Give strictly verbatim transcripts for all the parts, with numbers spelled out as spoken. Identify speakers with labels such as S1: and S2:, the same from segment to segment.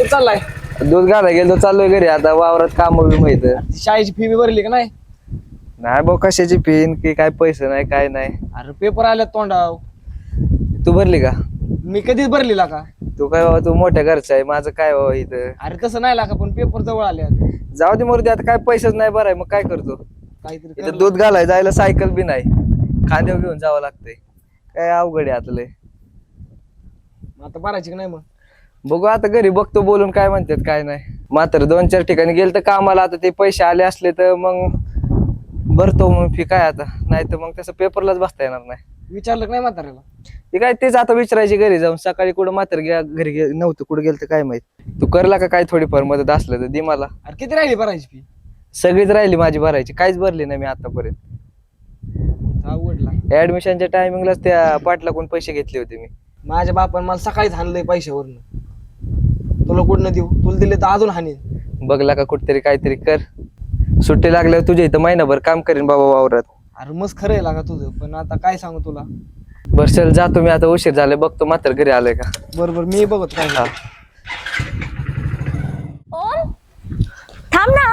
S1: कुठं चाललाय?
S2: दूध घाला गेलो चाललोय घरी आता वावरात काम बी माहित
S1: शाळेची फी बी भरली का नाही?
S2: नाही भाऊ कशाची फीन की काय पैसे नाही काय नाही.
S1: अरे पेपर आले तोंडाव.
S2: तू भरली का?
S1: मी कधीच भरलेला का?
S2: तू काय बाबा तू मोठ्या घरचा आहे माझं काय बाबा इथं.
S1: अरे तसं नाही लागा पण पेपर जवळ आले आता.
S2: जाऊ दे मरू दे आता काय पैसेच नाही भराय मग काय करतो.
S1: काहीतरी
S2: इथं
S1: कर.
S2: दूध घालाय जायला सायकल बी नाही खांद्यावर घेऊन जावं लागतंय काय अवघड आहे आता लय.
S1: आता भरायची का नाही मग?
S2: बघू आता घरी बघतो बोलून काय म्हणतात काय नाही. मात्र दोन चार ठिकाणी गेलं तर कामाला आता ते पैसे आले असले तर मग भरतो मग फी काय आता नाही तर मग तसं पेपरलाच बसता येणार नाही.
S1: विचारलं का नाही म्हाताऱ्याला?
S2: ते काय तेच आता विचारायची घरी जाऊन सकाळी कुठं मात्र घ्या घरी गे- नव्हतं कुठं गेलं तर काय माहित. तू करला का काय थोडीफार मदत असलं तर दे मला.
S1: अरे किती राहिली भरायची फी?
S2: सगळीच राहिली माझी भरायची काहीच भरली नाही मी आतापर्यंत.
S1: आवडला.
S2: ऍडमिशनच्या टायमिंगलाच त्या पाटलाकडून पैसे घेतले होते मी.
S1: माझ्या बापान मला सकाळीच हाणलंय पैशावरनं. तुला कुठनं देऊ? तुला दिले तर अजून हाणीन.
S2: बघला का कुठतरी काहीतरी कर. सुट्टी लागल्यावर तुझ्या इथं महिनाभर काम करीन बाबा वावरात.
S1: अरे मस्त खरं आहे लागा तुझं पण आता काय सांगू तुला.
S2: बर चल जातो मी आता उशीर झाले बघतो मात्र घरी आलोय का.
S1: बरोबर मी बघत काय.
S2: हा.
S3: ओम थांब ना.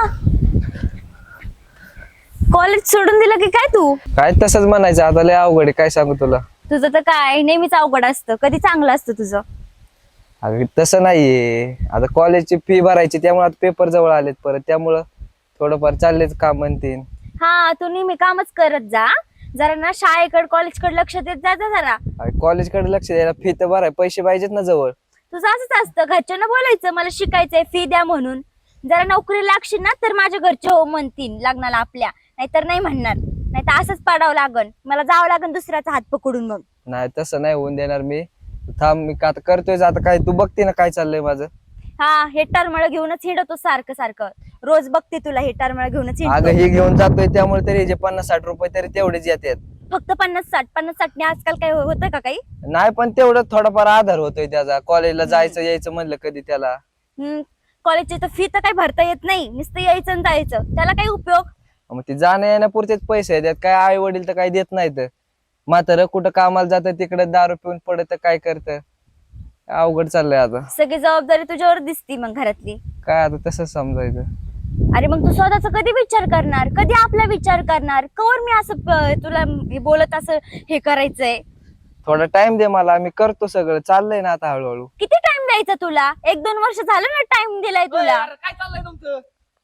S3: कॉलेज सोडून दिलं की काय तू?
S2: काय तसंच म्हणायचं आता लय अवघड आहे काय सांगू तुला.
S3: तुझं तर काय नेहमीच अवघड असतं, कधी चांगलं असतं तुझं.
S2: अगं तसं नाहीये आता कॉलेजची फी भरायची त्यामुळे आता पेपर जवळ आलेत परत त्यामुळं थोडंफार चाललेच काम म्हणतील.
S3: हा तू नेहमी कामच करत जा. जरा ना शाळेकडे कॉलेजकडे लक्ष देत जा जा जरा.
S2: कॉलेजकडे लक्ष द्यायला फी तर भराय पैसे पाहिजेत ना जवळ.
S3: तुझं असंच असतं, घरच्यांना बोलायचं मला शिकायचंय फी द्या म्हणून. जरा नोकरी लागशील ना तर माझ्या घरचे हो म्हणतील लग्नाला आपल्या, नाहीतर नाही म्हणणार. नाही तर असंच पाडावं लागन, मला जावं लागन दुसऱ्याचा हात पकडून. मग
S2: नाही तसं नाही होऊन देणार मी. थांब मी का आता करतोय आता काय तू बघते ना काय चाललंय माझं.
S3: हा हे टरमळ घेऊनच हिंडतो सारखं सारखं. रोज बघते तुला हे टरमळ घेऊनच
S2: अगं
S3: हिंडतो.
S2: हे घेऊन जातोय त्यामुळे तरी जे पन्नास साठ रुपये तरी तेवढेच येतात.
S3: फक्त पन्नास साठ पन्नास साठने आजकाल काय होतं का काही?
S2: नाही पण तेवढं थोडाफार आधार होतोय त्याचा कॉलेजला जायचं यायचं म्हणलं कधी त्याला.
S3: हम्म कॉलेजची तर फी तर काही भरता येत नाही, नुसतं यायचं आणि जायचं, त्याला काही उपयोग?
S2: मग ते जाण्या येण्यापुरतेच पैसे देतात काय आई वडील तर काही देत नाहीत. म्हातारं कुठं कामाला जातं तिकडे दारू पिऊन पडत काय करतं. अवघड चाललंय आता.
S3: सगळी जबाबदारी तुझ्यावर दिसती मग घरातली.
S2: काय आता तसंच समजायचं.
S3: अरे मग तू स्वतःचा कधी विचार करणार, कधी आपला विचार करणार? कवर मी असं प- तुला बोलत असं हे करायचंय?
S2: थोडा टाइम दे मला मी करतो सगळं चाललंय ना आता हळूहळू.
S3: किती टाइम द्यायचा तुला? एक दोन वर्ष झालं ना टाइम दिलाय तुला.
S1: अरे काय चाललंय तुमचं?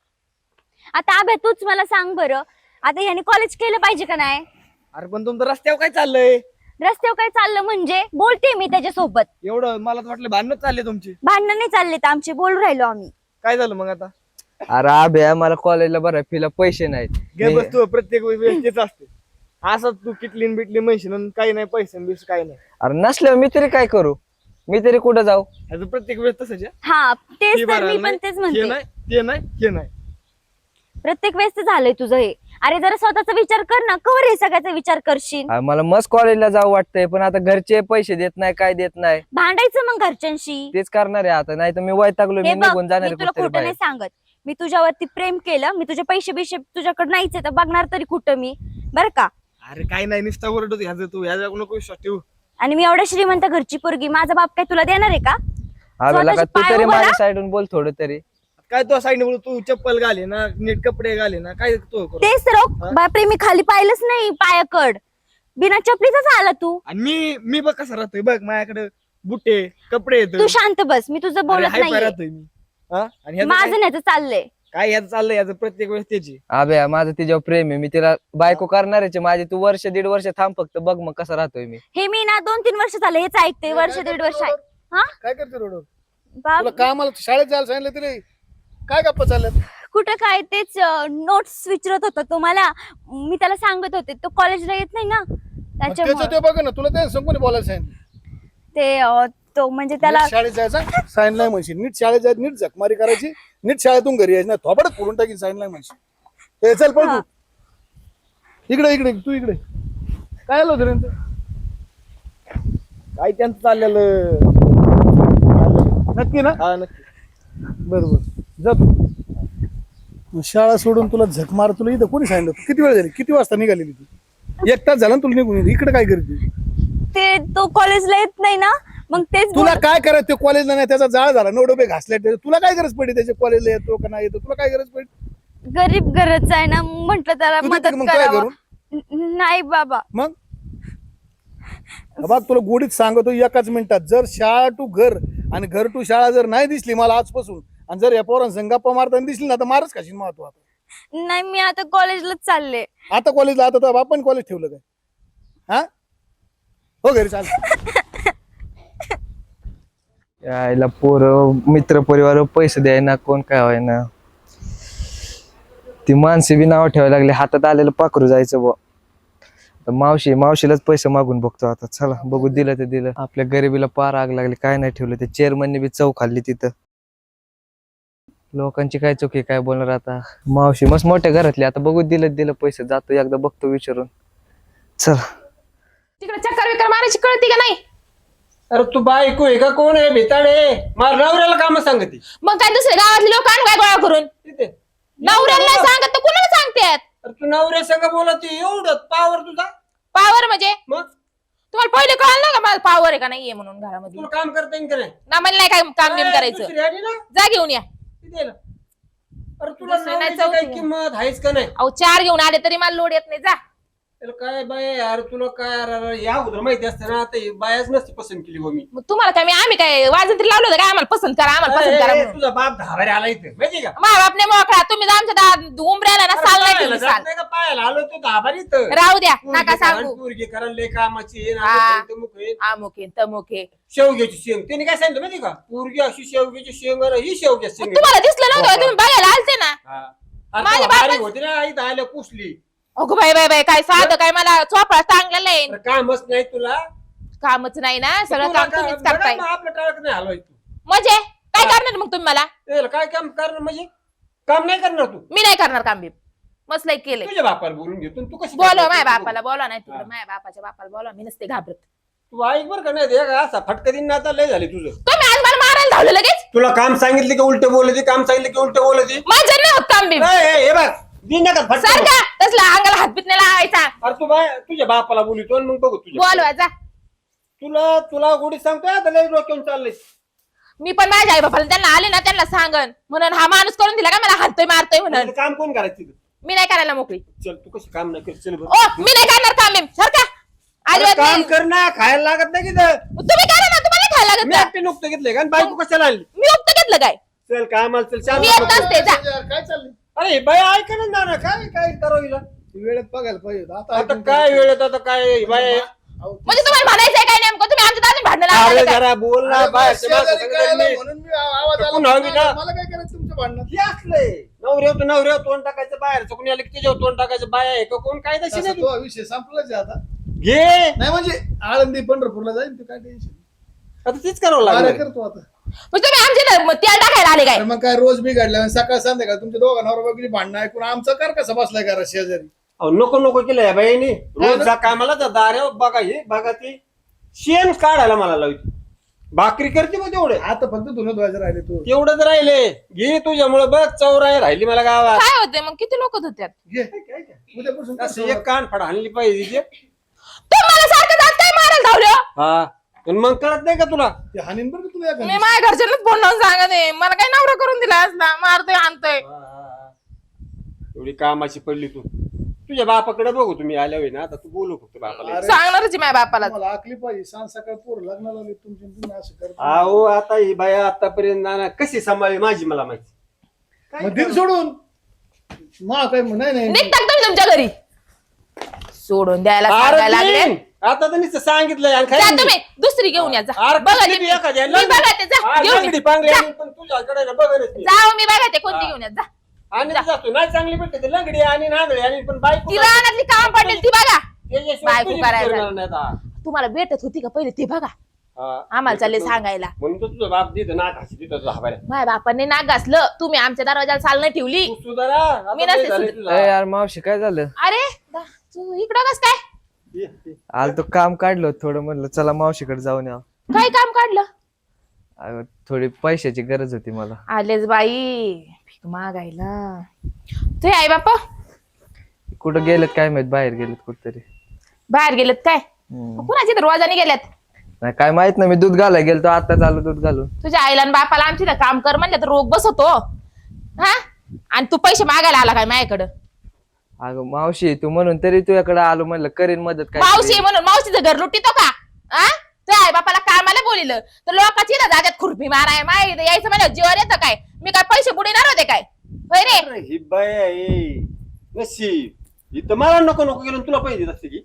S3: आता अभ्या तूच मला सांग बरं, आता याने कॉलेज केलं पाहिजे का नाही?
S1: अरे पण तुमचं रस्त्यावर काय चाललंय?
S3: रस्त्यावर काय चाललं म्हणजे बोलते मी त्याच्यासोबत.
S1: एवढं मला तर वाटलं भांडण चालले तुमची.
S3: भांडण नाही चालले तर आमचे, बोलू राहिलो आम्ही.
S1: काय झालं मग आता?
S2: अरे अभ्या मला कॉलेजला भराय फीला पैसे नाहीत.
S1: घे
S2: मी-
S1: बस तू प्रत्येक वेळेस तेच असते. असं तू किटलीन बिटली म्हणशील काही नाही पैसे बिस काही नाही.
S2: अरे नसल्यावर मी तरी काय करू, मी तरी कुठं जाऊ.
S1: ह्याचं प्रत्येक वेळेस तसंच आहे.
S3: हा तेच
S1: हे
S3: तर मी
S1: भरायला
S3: पण
S1: नाही,
S3: तेच
S1: हे
S3: म्हणते.
S1: नाही ते नाही हे नाही.
S3: प्रत्येक वेळेस तर झालंय तुझं हे. अरे जरा स्वतःचा विचार कर ना, कवर हे सगळ्याचा विचार करशील?
S2: अरे मला मस्त कॉलेजला जाऊ वाटतंय पण आता घरचे पैसे देत नाही काय देत नाही.
S3: भांडायचं मग घरच्यांशी.
S2: तेच करणार आहे आता नाही तर मी वैतागलो मी
S3: हे बघ
S2: निघून जाणार
S3: मी
S2: आहे
S3: तुला
S2: कुठेतरी
S3: खोटं नाही
S2: बाहेर.
S3: सांगत, मी तुझ्यावरती प्रेम केलं, मी तुझे पैसे बिशे तुझ्याकडे नाहीच आहे तर बघणार तरी कुठं मी, बर का?
S1: अरे काय नाही नुसता ओरडतो ह्याचं तू ह्याच्या नको विश्वास ठेवू.
S3: आणि मी एवढ्या श्रीमंत घरची पोरगी, माझा बाप काय तुला देणार आहे का?
S2: अबे लका
S3: स्वतःचे
S2: तू
S3: पाय
S2: तरी
S3: उभा
S2: माझ्या
S3: राहा.
S2: साईडून बोल थोडं तरी.
S1: काय तू साईडने बोलू तू चप्पल घाले ना नीट कपडे घाले ना काय तू करू?
S3: तेच तर
S1: हा?
S3: बापरे, मी खाली पाहिलंच नाही पायाकड, बिना चपलीचाच आला तू.
S1: आणि मी मी बघ कसा राहतोय बघ माझ्याकडे बुटे कपडे येत
S3: तू शांत बस, मी तुझं बोलत नाही.
S1: राहतोय मी. हा? आणि ह्याचं
S3: माझं
S1: काय-
S3: न्याचं चाललंय.
S1: काय ह्याचं चाललंय याचं प्रत्येक वेळेस त्याची.
S2: अबे माझं तिच्यावर प्रेम आहे मी तिला बायको करणार आहे माझी. तू वर्ष दीड वर्ष थांब फक्त बघ मग कसं राहतोय मी.
S3: हे मी ना दोन तीन वर्ष झाले हेच ऐकते, वर्ष दीड वर्ष आहे. हा
S4: काय करते रोडवर?
S3: बाप
S4: तुला कामाला शाळेत जायला सांगितलं तरी काय गप्पा चालल्यात?
S3: कुठं काय, तेच नोट्स विचारत होता तो मला. मी त्याला सांगत होते तो कॉलेजला येत नाही ना
S4: मग
S3: त्याच्यामुळे.
S4: त्याचं ते बघ ना तुला ते संपूर्ण बोलायला सांगितलं.
S3: ते अं, तो म्हणजे त्याला
S4: नीट शाळेत जायचं साईन नाही म्हणशील, नीट शाळेत जायचं नीट झकमारी करायची, नीट शाळेतून घरी यायचं नाही थोबडच फोडून टाकीन साईन नाही म्हणशील. ए चल पळ
S3: हा.
S4: तू इकडे इकडे तू इकडे काय आलं होतं रे यांचं?
S1: काय त्यांचं चाललेलं.
S4: नक्की ना?
S1: हा नक्की.
S4: बरोबर जा तू. मग शाळा सोडून तुला झक मार तुला इथं कोणी सांगितलं? तू किती वेळ झाली किती वाजता निघालेली तू? एक तास झाला ना तुला निघून इकडे काय करते?
S3: ते तो कॉलेजला येत नाही ना, मग तेच
S4: तुला
S3: बोल-
S4: काय करायचं ते कॉलेजला नाही त्याचा जाळ झाला नऊ डबे घासले त्याचे. तुला काय गरज पडली त्याच्या कॉलेजला येतो का नाही येतो तुला काय गरज पडली
S3: गरीब गरज आहे ना म्हंटल त्याला
S4: तू देते
S3: मदत
S4: का मग काय
S3: करावं
S4: करून
S3: न- नाही बाबा
S4: मग बघ तुला गोडीत सांगतो एकाच मिनिटात जर शाळा टू घर आणि घर टू शाळा जर नाही दिसली मला आजपासून आणि जर या पोरांना गप्पा मारताना दिसली ना तर मारच खाशील महत्व आता
S3: नाही मी आता कॉलेजलाच चालले
S4: आता कॉलेजला आता तर आपण कॉलेज ठेवलं काय हा हो घरी चाल
S2: यायला पोर मित्र परिवार पैसे द्यायना कोण काय व्हायना ती माणसे बी नाव ठेवायला लागले हातात आलेलं पाखरू जायचं बुवा तर मावशी मावशीलाच पैसे मागून बघतो आता चला बघू दिलं ते दिलं आपल्या गरिबीला पार आग लागली काय नाही ठेवलं ते चेअरमनने बी चव खाल्ली तिथं लोकांची काय चुकी काय बोलणार आता मावशी मस्त मोठ्या घरातली आता बघू दिलं दिलं पैसे जातो एकदा बघतो विचारून चल
S5: तिकडे चक्कर विकर मारायची कळती का नाही
S6: अरे तू बायको आहे का कोण आहे भिताडे मला नवऱ्याला काम सांगते
S5: मग काय दुसरे गावातले लोक आण काय गोळा करून
S6: तिथे
S5: नवऱ्याला नाही सांगत तर कुणाला सांगतात
S6: अरे तू नवऱ्या संग बोलत एवढं पावर तुझा
S5: पावर म्हणजे
S6: मग
S5: तुम्हाला पहिले कळलं ना का मला पावर आहे का नाहीये म्हणून घरामध्ये
S6: तुला काम करता येईल का नाही
S5: ना मला नाही काय काम बिम
S6: ए,
S5: करायचं
S6: दुसरी आली ना
S5: जा घेऊन या
S6: तिथे ना. अरे तुला
S5: दुसरी नाही
S6: नवऱ्याची काही
S5: चौथी.
S6: किंमत आहेच का नाही
S5: अहो चार घेऊन आले तरी मला लोड येत नाही जा
S6: त्याला काय बाय अरे तुला काय अरे, अरे, या उद्या माहिती असतं ना आता ही बायाच नसती पसंत केली हो मी
S5: मग तुम्हाला काय मी आम्ही काय वाजन तरी लावलं होतं काय आम्हाला पसंत करा आम्हाला पसंत करा
S6: ए,
S5: म्हणून.
S6: तुझा बाप धाबारे आला इथे माहिती का
S5: मा बापने मोकळा तुम्ही जर आमच्या दा- उंबऱ्याला ना साल नाही
S6: पायाला
S5: ठेवली
S6: जात
S5: साल
S6: नाही का पायाला आलो तू धाबारी इथं
S5: राहू द्या नका
S6: पोरगी
S5: सांगू
S6: करण, पोरगी करण लय कामाची आहे,
S5: हा.
S6: नाटक आहे, तमुक आहे.
S5: अमुके तमुके
S6: शेवग्याची शेंग त्याने काय सांगितलं माहिती का पोरगी अशी शेवग्याची शेंग आणि ही शेवग्याची शेंग
S5: तुम्हाला दिसलं नव्हतं तुम्ही बघायला आलते ना
S6: हा. आणि
S5: माझ्या
S6: तो हारी
S5: बापाच-
S6: होती ना इथं आल्या पुसली
S5: अगो बाई बाई बाई काय साधं काय मला चोपडा चांगलेलं आहे
S6: तर कामच नाही तुला
S5: कामच नाही ना सगळं
S6: तुला
S5: काम
S6: काय-
S5: तुम्हीच करताय
S6: मग आपलं टाळक नाही हलवाय तू
S5: म्हणजे काय
S6: हा.
S5: करणार मग तुम्ही मला
S6: त्याला काय काम करणार म्हणजे काम नाही करणार तू
S5: मी नाही करणार काम बी मस्त लई केलंय
S6: तुझ्या बापाला बोलून घेतो आणि तू कशी
S5: बोलव
S6: करणार?
S5: माझ्या
S6: तू-
S5: बापाला बोला नाही
S6: हा.
S5: तुला माझ्या बापाच्या बापाला बोला मी नसते घाबरत
S6: तू ऐक बरं का नाही ते का असा फटका दिन ना आता लय झाली तुझं
S5: तुम्ही आज मला मारायला धावलं लगेच
S6: तुला काम सांगितले की उलट बोलते काम सांगितलं की उलट बोलते
S5: माझं नाही होत काम बी
S6: हे बघ दिन नका फटका
S5: सारखा तसला अंगाला हातबीत नाही लावायचा
S6: अरे तू बाय तुझ्या बापाला बोलितो आणि मग बघू तुझ्या
S5: बोलवा जा
S6: तुला तुला गोडी सांगतोय आता लय डोक्यावर चाललंय
S5: मी पण माझ्या आई बापाला त्यांना आले ना त्यांना सांगन म्हणून हा माणूस करून दिला का मला हातोय मारतोय म्हणून
S6: आता काम कोण करायचं तिथं?
S5: मी नाही करायला मोकळी
S6: चल तू कशी काम नाही करत चल बरं
S5: ओ मी नाही करणार काम बी सारखा
S6: अरे
S5: अजिबात
S6: काम
S5: नाही.
S6: कर ना खायला लागत नाही की तर.
S5: तुम्ही करा ना तुम्हाला नाही खायला लागत
S6: मी
S5: का?
S6: एकटे नुकतं घेतलंय का आणि बायको कशाला आली
S5: मी उक्त घेतलं काय
S6: चल कामाला चल शांत
S5: मी येत
S6: बस.
S5: नसते जा
S4: काय चाललंय
S6: अरे बाय ऐक ना ना काय काय करावं हिला?
S4: वेळेत बघायला पाहिजे होतं. आता
S6: आता
S4: ऐकून
S6: काय
S4: घे.
S6: वेळेत आता काय बाय
S4: अहो, ते-
S5: म्हणजे तुम्हाला म्हणायचंय काय नेमकं तुम्ही आमच्या दादा भांडण
S6: अरे
S5: लावले काय
S6: जरा बोल ना
S4: अरे
S6: बाय
S4: मला शेजारी काय आलं म्हणून मी आवाज आला.
S6: कोण हवी ना?
S4: मला काय करायचं तुमच्या भांडणात
S6: हे असलंय नवऱ्याव तर नवऱ्याव तोंड टाकायचं बाहेर चुकून आलं की त्याच्यावर तोंड टाकायचं बाय आहे का कोण काय तशी
S4: तसा
S6: नाही
S4: तो विषय संपलाच आहे आता
S6: घे
S4: नाही म्हणजे आळंदी पंढरपूरला जाईल ते काय टेन्शन
S6: आता तीच करावं
S4: कार्य
S6: लागलं
S4: करतो आता
S5: मग तुम्ही आमच्या इथं तेल टाकायला आले काय
S4: अरे मग काय रोज बिघडल्या सकाळ संध्याकाळ तुमच्या दोघा नवरा बायकोची भांडणं ऐकून आमचं कर कसं बसलाय करा शेजारी
S6: अहो, नको नको केलं या बाईने
S4: हा
S6: रोज
S4: ना?
S6: जा कामाला जा दाऱ्या बघा हे बघा ती शेण काढायला मला लावते भाकरी करते मग तेवढे
S4: आता फक्त धुणं धुवायचं राहिले तू
S6: तेवढंच राहिले घे तुझ्यामुळे बघ चौराय राहिली मला गावात
S5: काय होते मग किती लोक धुत्यात
S4: घे उद्यापासून कर
S6: असं
S4: सुरुवात.
S6: एक कान फाड हाणली पाहिजे तिचे.
S5: तुम्हाला सारखं जात काय मारायला धावलं
S6: हा पण मग कळत नाही का तुला
S4: ते हानीन बरं का तुला एखादी.
S5: मी माझ्या घरच्यांनाच फोन लावून सांगत आहे मला काही नवरा करून दिला असला मारतोय आणतोय
S6: एवढी कामाची पडली तू तुझ्या बापाकडे बघू तुम्ही आल्या होई ना आता तू बोलू फक्त बापाला
S4: अरे,
S5: सांगणारच आहे माझ्या बापाला
S4: तुम्हाला आखली पाहिजे सांग सकाळ पोर लग्नाला आले तुमच्या तुम्ही असं करता
S6: अहो आता ही बाई आतापर्यंत नाना कशी सांभाळली माझी मला माहिती
S4: मग दिल सोडून मा काय म्हण- नाही नाही
S5: निघतात तुम्ही तुमच्या घरी सोडून द्यायला
S6: अरे
S5: सांगायला लागले
S6: तीन. आता तर नुसतं सांगितलंय आणि
S5: जा
S6: काय
S5: तुम्ही दुसरी घेऊन या जा
S6: अरे
S5: बघा
S6: कुठली
S5: ते
S6: बी
S5: मी
S6: एखाद्या
S5: मी बघा ते जा घेऊन
S6: लंगडी
S5: या.
S6: पांगडी
S5: जा.
S6: आणि पण तुझ्याकडे ना बघायलाच नाही.
S5: जाओ मी बघा ते कोणती घेऊन या जा
S6: आणि जातो नाही चांगली भेटते ती लंगडी आणि नांगडी आणि पण बायको
S5: ती रानातली काम पडेल ती बघा
S6: त्याच्याशिवाय
S5: बायको
S6: तुझी
S5: करायला.
S6: विचारणार नाही आता.
S5: तुम्हाला भेटत होती का पहिले ते बघा
S6: हा.
S5: आम्हाला चालले सांगायला
S6: म्हणून तर तुझा बाप देत ना घाशी देत तुझा हवाऱ्या
S5: माझ्या बापाने नाक घासलं तुम्ही आमच्या दरवाजाला साल नाही ठेवली
S6: तू सुधारा आता
S5: मी
S6: लय
S5: नसते
S6: झालंय
S5: सुध-
S6: तुझं.
S2: ए यार मावशी काय झालं
S5: अरे दा- तू इकडं कस काय
S6: ये, ये.
S2: आलं तो काम काढलं होतं थोडं म्हणलं चला मावशीकडे जाऊन या
S5: काय काम काढलं
S2: अगं, थोडी पैशाची गरज होती मला
S5: आलेच बाई भीक मागायला तू आई बापा
S2: कुठं गेलेत काय माहित बाहेर गेलेत कुठतरी
S5: बाहेर गेलेत काय
S2: हम्म.
S5: कुणाची तर रोजाने गेल्यात
S2: नाही काय माहित ना, मी दूध घालाय गेलतो आता चालू दूध घालून.
S5: तुझ्या आईला आणि बापाला आमची इथं काम कर म्हणलं तर रोग बसवतो हा. आणि तू पैसे मागायला आला काय माझ्याकडं?
S2: अगं मावशी तू म्हणून तरी तुझ्याकडे आलो, म्हणलं करीन मदत काय.
S5: मावशी म्हणून मावशीचं घर लुटीतो का? आ तुझ्या आई बापाला कामाला बोलिलं तर लोकांची ना जात्यात खुरपी माराय माय यायचं म्हणलं जीवर येतं काय? मी काय पैसे बुडीणार होते काय? होय रे.
S6: अरे ही बाय आहे नशीब, इथं मला नको नको गेलो तुला पैसे देत असते की.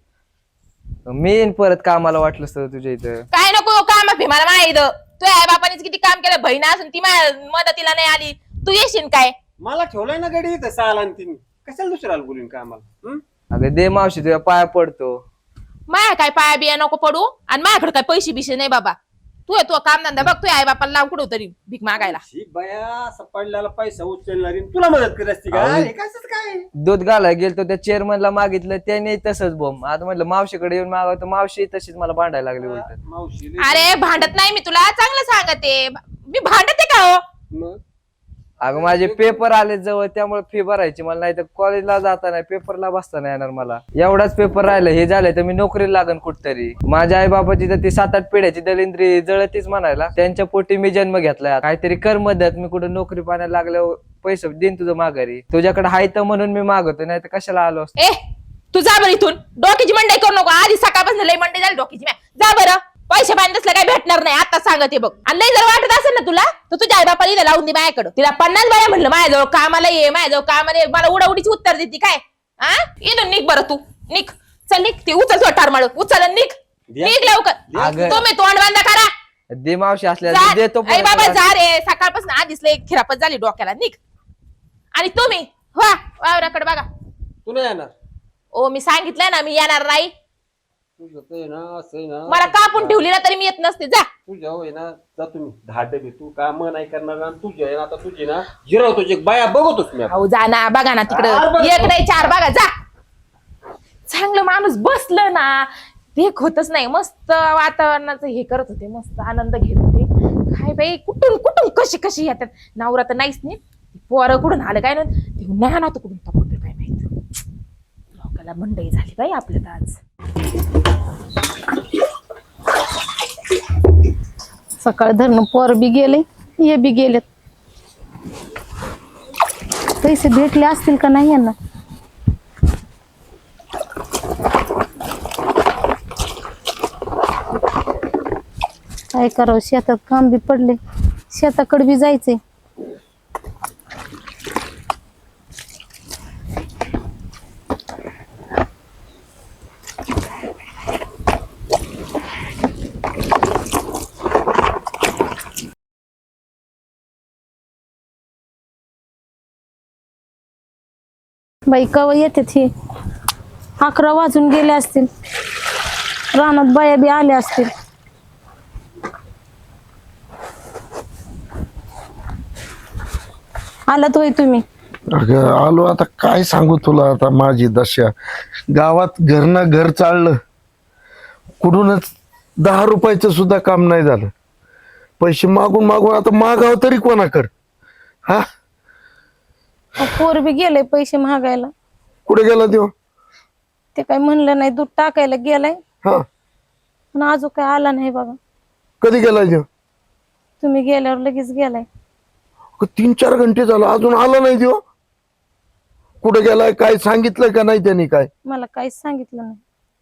S2: मी येईन परत कामाला वाटलं तर तुझ्या इथं.
S5: काय नको काम भीमाला माहित. तुझ्या आई बापानेच किती काम केलं, बहीण असून ती माझ्या मदतीला नाही आली, तू येशील काय?
S6: मला ठेवलंय ना गाडी इथं सहाला आणि तिने कशाला दुसऱ्याला बोलून का आम्हाला?
S2: अगं दे मावशी तुझ्या पाया पडतो.
S5: माया काय पाया बिया नको पडू आणि माझ्याकडे काय पैसे बिशे नाही बाबा. तू तू काम धंदा बघ, तुझ्या आई बापाला लाव कुठं तरी भीक मागायला.
S6: ही बाया असं पडल्याला पैसा उचलणारी आणि तुला मदत करत असते का?
S2: अहो.
S6: हे कसंच काय?
S2: दूध घालाय गेलतो त्या चेअरमनला मागितलं, त्याने तसंच बोंब. आता म्हटलं मावशीकडे येऊन मागवतो, मावशी तशीच मला भांडायला लागली उलट.
S6: मावशी
S5: अरे भांडत नाही मी तुला, चांगलं सांगते. मी भांडते का हो?
S6: मग
S2: अगं माझे पेपर आले जवळ, त्यामुळे फी भरायची मला, नाही तर कॉलेजला जाता नाही, पेपरला बसता नाही येणार मला. एवढाच पेपर राहिलं, हे झालं तर मी नोकरीला लागन कुठतरी. माझ्या आई बाबाची तर ती सात आठ पिढ्याची दलिंद्री जळतीच म्हणायला, त्यांच्या पोटी मी जन्म घेतलाय. काहीतरी कर मदत, मी कुठं नोकरी पाण्याला लागल्यावर पैसे देईन तुझं माघारी. तुझ्याकडे हाय तर म्हणून मी मागवतो, नाही तर कशाला आलो असतो.
S5: ए तू जा बरं इथून, डोक्याची मंडई करू नको. आधी सकाळपासून लई मंडई झाली डोक्याची. जा बरं, पैसे बांधले काय भेटणार नाही आता सांगते बघ. आणि लई जर वाटत असेल ना तुला तर तुझ्या आई बापाला इथं लावून दे माझ्याकडं. तिला पन्नास बाया म्हणलं माझ्याजवळ कामाला ये, माझ्याजवळ कामाला ये, मला उडाउडीची उत्तर देते काय? हा इथून निघ बरं, तू निघ, चल निघ. ते उचल तो टारमाळ, उचल आणि निघ, निघ लवकर.
S2: अगं.
S5: तुम्ही तोंड बांधा करा.
S2: दे मावशी असल्या
S5: जा.
S2: देतो
S5: आई बाबा
S2: परत.
S5: जा रे, सकाळपासून आधीच लई खिरापत झाली डोक्याला. निघ. आणि तुम्ही वा वावराकडे बघा.
S6: तू नाही येणार.
S5: ओ मी सांगितलंय ना मी येणार नाही.
S6: तुझं ते ना असं आहे ना,
S5: मला कापून ठेवली ना तरी मी येत नसते. जा.
S6: तुझ्या होय ना, जा तुम्ही दहा डबे. तू काम नाही करणार आणि तुझी आहे ना आता तुझी ना जिराव तुझी बाया बघतोच मी आता.
S5: अहो जा ना, बघा ना
S6: चार
S5: तिकडं
S6: बघ.
S5: एक नाही चार बघा. जा. चांगलं माणूस बसलं ना देख होतच नाही. मस्त वातावरणाचं हे करत होते, मस्त आनंद घेत होते. काय बाई कुठून कुठून कशी कशी येतात. नवरा तर नाहीच नाही, पोरं कुठून आलं काय नाही नाही ना, कुठून तपडलं काय माहित. लोकाला मंडई झाली बाई आपल्यात आज.
S7: सकाळ धरणं पोर बी गेले, हे बी गेलेत. पैसे भेटले असतील का नाही यांना? काय करावं, शेतात काम बी पडले, शेताकडे बी जायचंय. बाई कवा येतात हे? अकरा वाजून गेले असतील, रानात बाया बी आल्या असतील. आलात होय तुम्ही?
S8: अगं आलो. आता काय सांगू तुला, आता माझी दशा. गावात घरनं घर चाललं, कुठूनच दहा रुपयाचं सुद्धा काम नाही झालं. पैसे मागून मागून आता मागाव तरी कोणाकडं? हा
S7: पोर बी गेले पैसे मागायला.
S8: कुठे गेला देव?
S7: ते काय म्हणलं नाही, दूध टाकायला गेलाय
S8: हा
S7: पण अजून काय आला नाही बघा.
S8: कधी गेला देव?
S7: तुम्ही गेल्यावर लगेच गेलाय.
S8: तीन चार घंटे झालं अजून आला नाही देव. कुठे गेलाय काय सांगितलं का नाही त्यांनी? काय
S7: मला काहीच सांगितलं नाही.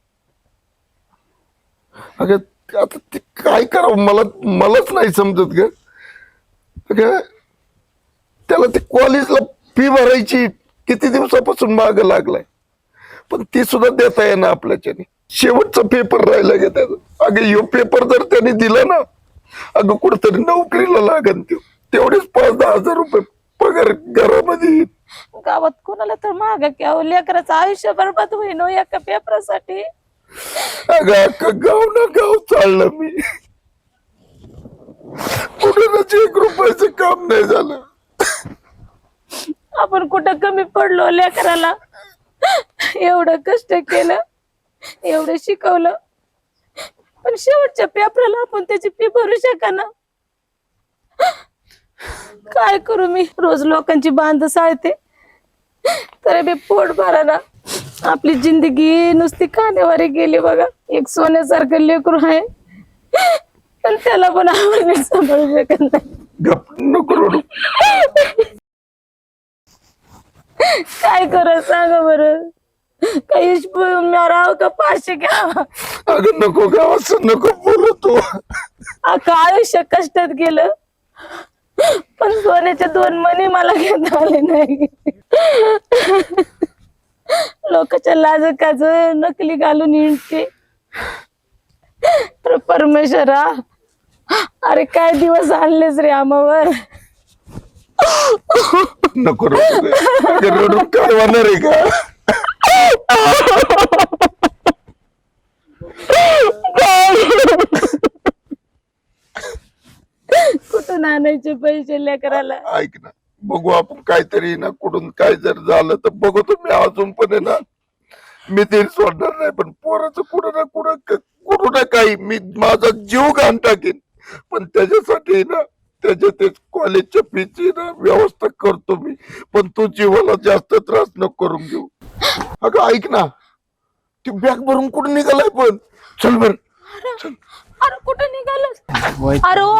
S8: अगं आता ते काय करावं मला मलाच नाही समजत ग. अगं त्याला ते कॉलेजला फी भरायची किती दिवसापासून माग लागलाय, पण ती सुद्धा देता येणार आपल्याच्याने. शेवटचा पेपर राहिला ग त्याचा. अगं ह्यो पेपर जर त्याने दिला ना, अगं कुठतरी नोकरीला लागन त्यो. तेवढेच पाच दहा हजार रुपये पगार घरामध्ये.
S7: गावात कोणाला तर मागा की अहो, लेकराचं आयुष्य बरबाद होईन हो एका पेपरासाठी.
S8: अगं अख्खं गाव ना गाव चाललं मी, कुठूनच एक रुपयाचं काम नाही झालं.
S7: आपण कुठं कमी पडलो लेकराला? एवढं कष्ट केलं, एवढं शिकवलं, पण शेवटच्या पेपराला आपण त्याची फी भरू शका ना. काय करू मी? रोज लोकांची बांध साळते तरी बी पोट भरा ना. आपली जिंदगी नुसती खाण्यावारी गेली बघा. एक सोन्यासारखं लेकरू आहे, पण त्याला पण आपण नीट सांभाळू शकत नाही.
S8: गप नको रडू.
S7: काय करा सांगा बरं. काही राव का पाचशे घ्या.
S8: अगं नको ग, असं नको बोलू तू.
S7: अख्खं आयुष्य कष्टात गेलं पण सोन्याचे दोन मणी मला घेता आले नाही. लोकांच्या लाजकाच नकली घालून हिंडते. तर परमेश्वरा, अरे काय दिवस आणलेच रे आम्हावर.
S8: नको रडू ग. अगं रडू काय होणार आहे का?
S7: कुठून आणायचे पैसे लेकराला.
S8: ऐक ना, बघू आपण काहीतरी ना, कुठून काय जर झालं तर बघू. तुम्ही अजून पण आहे ना, मी ते सोडणार नाही. पण पोराचं कुठं ना कुठं कुठं ना काही मी माझा जीव घाण टाकेन. पण त्याच्यासाठी ना, त्याच्या ते कॉलेजच्या फीची ना व्यवस्था करतो मी. पण तू जीवाला जास्त त्रास नको करून घेऊ. अगं ऐक ना, ती बॅग भरून कुठं निघालाय पण. चल बर.
S7: अरे कुठं निघालं. अरे ओ,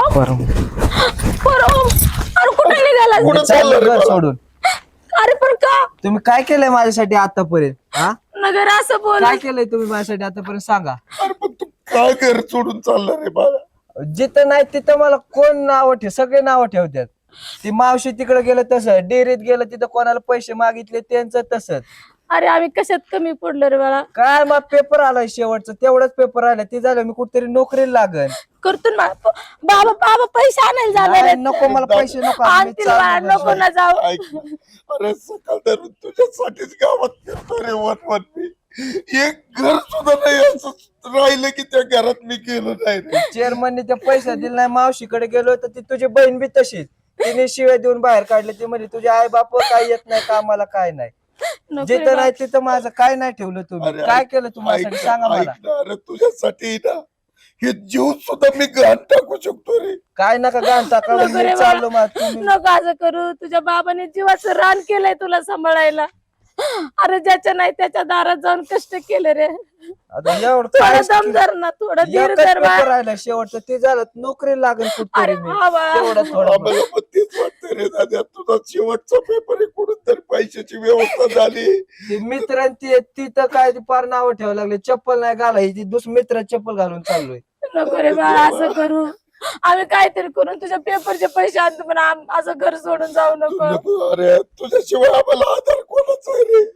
S7: अरे ओ, अरे कुठं निघाला.
S8: कुठं चाललं रे
S2: घर
S8: मला?
S2: सोडून.
S7: अरे पण का
S2: तुम्ही काय केलंय माझ्यासाठी आतापर्यंत? हा,
S7: नगर असं बोल.
S2: काय केलंय तुम्ही माझ्यासाठी आतापर्यंत सांगा.
S8: अरे पण तू काय घर सोडून चालला रे बाळा?
S2: जिथं नाही तिथं मला कोण नाव ठेव, सगळे नाव ठेवतात. ती मावशी तिकडे गेलं तसं, डेअरीत गेलं तिथं कोणाला पैसे मागितले त्यांचं तसंच.
S7: अरे आम्ही कशात कमी पडलो रे बाळा.
S2: काय मग पेपर आलाय शेवटचं, तेवढंच पेपर आला, ते झालं मी कुठेतरी नोकरीला लागन.
S7: करतो ना बाबा. बाबा पैसे आणायला जाणार
S2: नाही,
S7: आहेत.
S2: नको मला पैसे नको. मी
S7: आणतील बाळा,
S2: चाललो
S7: नको ना जाऊ.
S8: ऐक ना, अरे सकाळ धरून तुझ्यासाठीच गावात फिरतो रे वन मी. एक घर सुद्धा नाही असं राहिलं की त्या घरात मी गेलो नाही रे.
S2: चेअरमनने ते पैसे दिले नाही, मावशीकडे गेलो तर ती तुझी बहीण बी तशीच, तिने शिवाय देऊन बाहेर काढले. ती म्हणजे तुझे आई बाप काय येत नाही कामाला, काय नाही.
S7: नको रे
S2: जिथं
S7: बाळा.
S2: नाही तिथं माझं काय नाही ठेवलं तुम्ही.
S8: अरे
S2: काय
S8: ऐक-
S2: केलं तुम्हाला
S8: ऐक
S2: सांगा
S8: ना,
S2: मला.
S8: ऐक ना, अरे तुझ्यासाठी ना हे जीव सुद्धा मी घाण टाकू शकतो रे.
S2: काय नका गाणता काढून
S7: नको रे
S2: मी चाललो
S7: बाळा.
S2: मग तुम्ही.
S7: नको असं करू. तुझ्या बाबाने जीवाचं रान केलंय तुला सांभाळायला. अरे ज्याच्या नाही त्याच्या दारात जाऊन कष्ट केले रे.
S2: आता एवढं
S7: थोडं
S2: काय
S7: दम धर ना, थोडं धीर
S2: एकच
S7: धर बाळा.
S2: पेपर राहिला शेवटचं, ते झालं नोकरी लागेल
S7: अरे
S2: कुठतरी मी.
S7: हा बाळा.
S2: तेवढं थोडं
S8: आम्हाला पण तेच वाटतं रे दादा, तुझा शेवटचा पेपर आहे, कुठून तरी पैशाची व्यवस्था झाली.
S2: ते मित्र ती ती तर काय ती पार नाव ठेवायला लागले. चप्पल नाही घालायची, दुसरं मित्र चप्पल घालून चाललोय.
S7: नको रे बाळा असं करू. आम्ही काहीतरी करून तुझ्या पेपरचे पैसे आणतो, पण आम- असं घर सोडून जाऊ नको.
S8: नको, अरे तुझ्याशिवाय आम्हाला आधार कोणाचा आहे रे.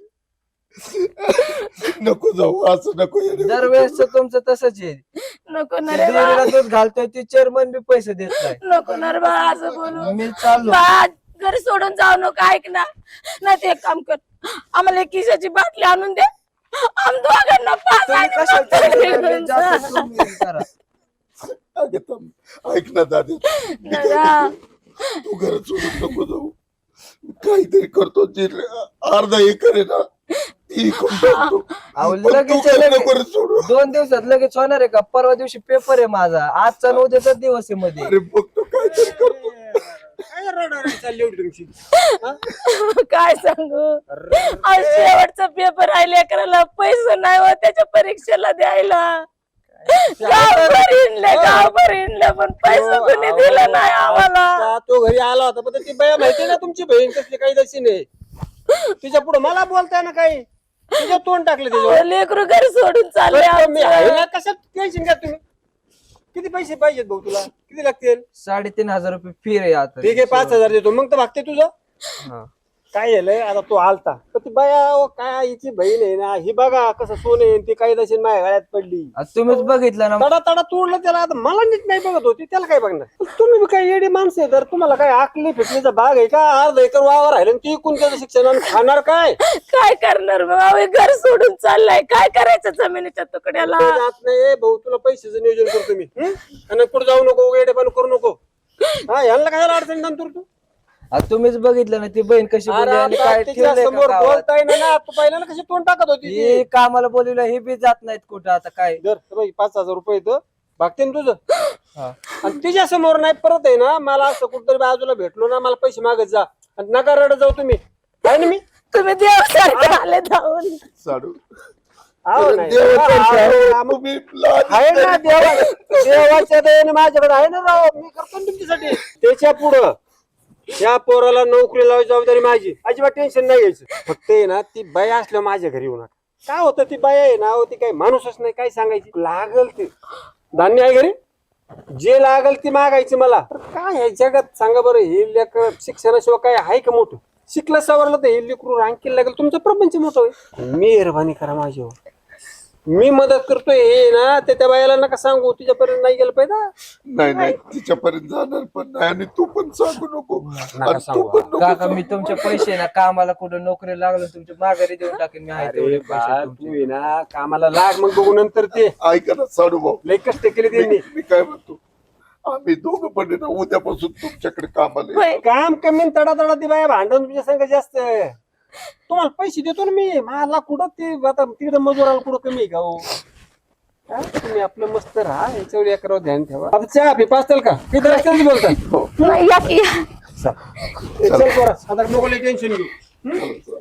S8: नको जाऊ, असं नको ये रे.
S2: दरवेळेस तुमचं तसंच आहे.
S7: नको ना
S2: ती
S7: रे बाळा.
S2: डेअरीला दूध घालतोय, ती चेअरमन बी पैसे देत नाही.
S7: नको ना रे बाळा असं बोलू.
S2: मी चाललो.
S7: बाळा घर सोडून जाऊ नको. ऐक ना, नाही ते एक काम कर, आम्हाला एक किशाची बाटली आणून दे. आम दोघांना पाच
S2: तुम्ही
S7: आणि
S2: कशाला
S7: फक्त
S2: चालले?
S7: घेऊन
S2: मी
S7: जा.
S2: जातो, तुम्ही हे करा.
S8: अगं थांब. ऐक ना दादा, मी काय
S7: दादा.
S8: म्हणतो, तू घर सोडून नको जाऊ. काहीतरी करतो, जे अर्धा एकर आहे ना ती इकून टाकतो.
S2: अहो,
S8: पण तू
S2: लगेच
S8: काय
S2: लगेच
S8: नको रे सोडू.
S2: दोन दिवसात लगेच होणार आहे का? परवा दिवशी पेपर आहे माझा, आजचा आणि उद्याचा दिवस आहे मध्ये.
S8: अरे बघतो काहीतरी करतो.
S6: काय रडारडी चालली एवढी तुमची?
S7: काय सांगू, आज शेवटचा पेपर आहे, लेकराला पैसे नाही हो त्याच्या परीक्षेला द्यायला. गावभर हिंडले, गावभर हिंडले, पण पैसे कोणी दिलं नाही आम्हाला.
S6: आता तो घरी आला होता, पण ती बाया माहिती ना तुमची बहीण कसली काही तशी नाही. तिच्या पुढे मला बोलताय ना काही, तुझ्या तोंड टाकलं त्याच्यावर.
S7: लेकरू घरी सोडून चालले
S6: बरं, मी आहे
S7: आमचं.
S6: ना, कशात टेन्शन घ्या तुम्ही. किती पैसे पाहिजेत भाऊ तुला? किती लागतील?
S2: साडेतीन हजार रुपये फी आहे आता.
S6: ठीक आहे, पाच हजार देतो, मग तर भागते तुझं.
S2: हा.
S6: काय झालंय आता, तो आलता तर ती बाया अहो, काय हिची बहीण आहे ना, ही बघा कसं सोने ती काही तशी माझ्या गळ्यात पडली.
S2: आता तुम्हीच बघितलं ना.
S6: तडा तडा तोडलं त्याला. आता मला नीट नाही बघत होती, त्याला काय बघणार. तुम्ही बी काय येडी माणसं आहे, तर तुम्हाला काय आकली फिटलीचा भाग आहे का? अर्धा एकर वावर राहिलं ती कोणत्याचं शिक्षण आणि खाणार काय?
S7: काय करणार बाबा, घर सोडून चाललाय, काय करायचं जमिनीच्या तुकड्याला.
S6: ते जात नाही भाऊ, तुला पैशाचं नियोजन करतो मी. हं? आणि पुढे जाऊ नको, येडेपण करू नको. हा, ह्याला काय अडचण नंतर तू.
S2: आता तुम्हीच बघितलं ना ती बहीण कशी बोलली
S6: अरे
S2: आणि
S6: आता
S2: काय
S6: तिच्या
S2: ठेवलंय का
S6: समोर
S2: गावात.
S6: बोलताय ना ना, तू पहिल्याला कशी तोंड टाकत होती ती.
S2: ही कामाला बोलवलं हे बी जात नाहीत कुठं. आता काय
S6: दर बाई, पाच हजार रुपये येतं भागते ना तुझं.
S2: हा.
S6: आणि तिच्या समोर नाही परत आहे ना, मला असं कुठतरी बाजूला भेटलो ना, मला पैसे मागत जा आणि नका रडत जाऊ तुम्ही. आहे ना मी.
S7: तुम्ही देवासारखे आले धावून.
S8: साडू
S6: हो नाही.
S8: देवासारखं
S6: हा,
S8: आहे.
S6: हा, मग
S8: तुम्ही लाज
S6: आहे ना देवा देवाच्या दयेने माझ्याकडे आहे ना राव मी करतो ना तुमच्यासाठी त्याच्या पुढं या पोराला नोकरी लावायची जबाबदारी माझी अजिबात टेन्शन नाही घ्यायचं फक्त आहे ना ती बाई असल्या माझ्या घरी येऊ नका काय होतं ती बाई आहे ना ती काही माणूसच नाही काय सांगायची लागल ते धान्य आहे घरी जे लागल ती मागायची मला तर काय आहे जगात सांगा बरं हे लेक शिक्षणाशिवाय काय आहे का मोठं शिकलं सवरलं तर हे लेकरू रांकीला लागेल तुमचं प्रपंच मोठं होईल मेहरबानी करा माझ्यावर मी मदत करतोय हे ना ते त्या बायाला नका सांगू तुझ्यापर्यंत नाही गेलं पाहिजे
S8: नाही नाही तिच्यापर्यंत जाणार पण नाही आणि तू पण सांगू नको
S6: नका
S8: आणि तू
S6: सांगू.
S8: पण नको
S2: काका
S8: सांगू.
S2: मी तुमचे पैसे ना कामाला कुठं नोकरी लागलं तुमच्या माघारी देऊन टाकेन मी आहे
S6: अरे
S2: तेवढे
S6: बा,
S2: पैसे
S6: तू
S2: तुमचे.
S6: आहे ना कामाला लाग मग बघू नंतर ते
S8: ऐका ना साडू भाऊ
S6: लय कष्ट केले त्यांनी
S8: मी मी काय म्हणतो आम्ही दोघं पण आहे ना उद्यापासून तुमच्याकडे कामाला येऊ.
S7: होय.
S6: काम कमी तडा तडा ती बाया भांडण तुझ्या संग जास्त तुम्हाला पैसे देतो ना मी मला कुठं ते आता तिकडे मजुराला कुठं कमी आहे का हो हा, तुम्ही आपलं मस्त राहा याच्यावर एकावर ध्यान ठेवा आता चहा पी पाचल का किती रस्त्याने बोलतात
S7: नाही, या की या.
S6: चल पोरा, आता नको टेन्शन घेऊ